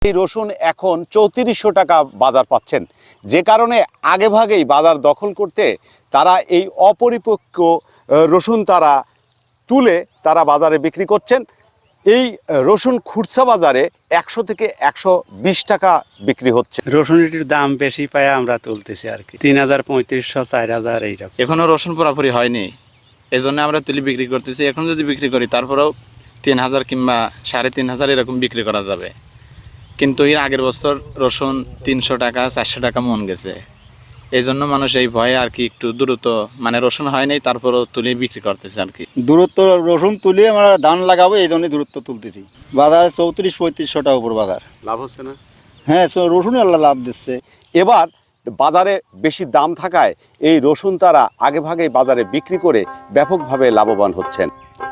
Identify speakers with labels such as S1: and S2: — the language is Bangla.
S1: এই রসুন এখন 3400 টাকা বাজার পাচ্ছেন, যে কারণে আগেভাগেই বাজার দখল করতে তারা এই অপরিপক্ক রসুন তারা তুলে তারা বাজারে বিক্রি করছেন। এই রসুন খুচরা বাজারে 100 থেকে 120 টাকা বিক্রি হচ্ছে।
S2: রসুনের দাম বেশি পায় আমরা তুলতেছি আর কি, 3000, 3500, 4000 এইরকম।
S3: এখনো রসুন পুরোপুরি হয়নি, এই জন্য আমরা তুলি বিক্রি করতেছি। এখন যদি বিক্রি করি তারপরেও 3000 কিংবা 3500 এরকম বিক্রি করা যাবে। কিন্তু এর আগের বছর রসুন 300 টাকা 400 টাকা মন গেছে। এই জন্য মানুষ এই ভয়ে আর কি একটু দ্রুত, মানে রসুন হয় নাই তারপরেও তুলি বিক্রি করতেছে আর কি।
S4: দূরত্ব রসুন তুলে আমরা ধান লাগাবো, এই জন্যই দূরত্ব তুলতেছি। বাজার 3400-3500 টাকা উপর বাজার।
S2: লাভ হচ্ছে না?
S4: হ্যাঁ, রসুন আল্লাহ লাভ দিচ্ছে।
S1: এবার বাজারে বেশি দাম থাকায় এই রসুন তারা আগেভাগেই বাজারে বিক্রি করে ব্যাপকভাবে লাভবান হচ্ছেন।